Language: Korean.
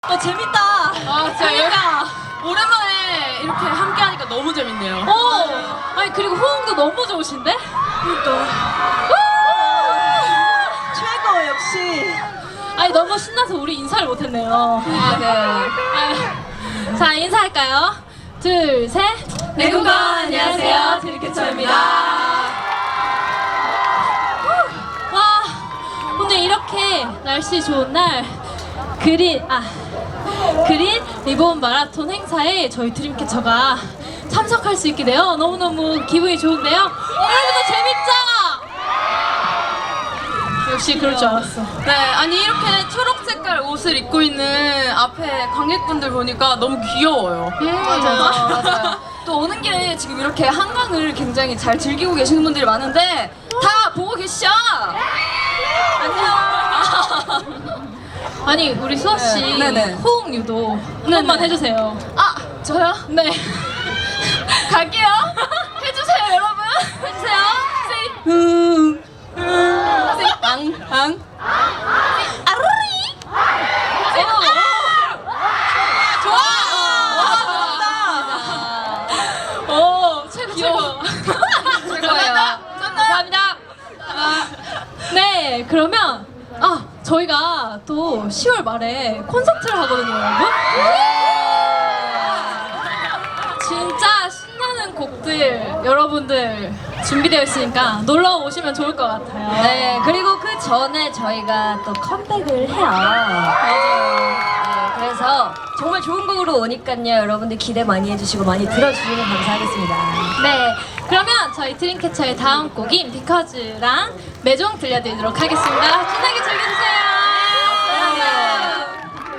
재밌다. 아, 진짜 그러니까. 오랜만에 이렇게 함께 하니까 너무 재밌네요. 아니 그리고 호응도 너무 좋으신데? 그러니까 최고 역시. 아니 너무 신나서 우리 인사를 못했네요. 아, 네. 아유. 자 인사할까요? 둘, 셋. 내국어 안녕하세요. 드림캐쳐입니다. 와 오늘 이렇게 날씨 좋은 날 그린 리본 마라톤 행사에 저희 드림캐쳐가 참석할 수 있게 되어 너무너무 기분이 좋은데요. 여러분도 재밌죠? 역시 그럴 줄 알았어. 네, 아니 이렇게 초록 색깔 옷을 입고 있는 앞에 관객분들 보니까 너무 귀여워요. 맞아요. 또 오는 길에 지금 이렇게 한강을 굉장히 잘 즐기고 계시는 분들이 많은데 다 보고 계시죠? 안녕. 아니 우리 수아 씨 네네. 호응 유도 한 번만 해주세요. 아, 저요? 네. 갈게요. 해주세요, 여러분. 해주세요. 앙. 아루리. 오 최고 최고. 최고예요. 감사합니다. 네 그러면 저희가 또 10월 말에 콘서트를 하거든요, 여러분. 진짜 신나는 곡들 여러분들 준비되어 있으니까 놀러 오시면 좋을 것 같아요. 네, 그리고 그 전에 저희가 또 컴백을 해요. 맞아요. 네, 그래서 정말 좋은 곡으로 오니까요. 여러분들 기대 많이 해주시고 많이 들어주시면 감사하겠습니다. 네, 그러면 저희 드림캐쳐의 다음 곡인 비커즈랑 매종 들려드리도록 하겠습니다. 신나게 즐겨주세요.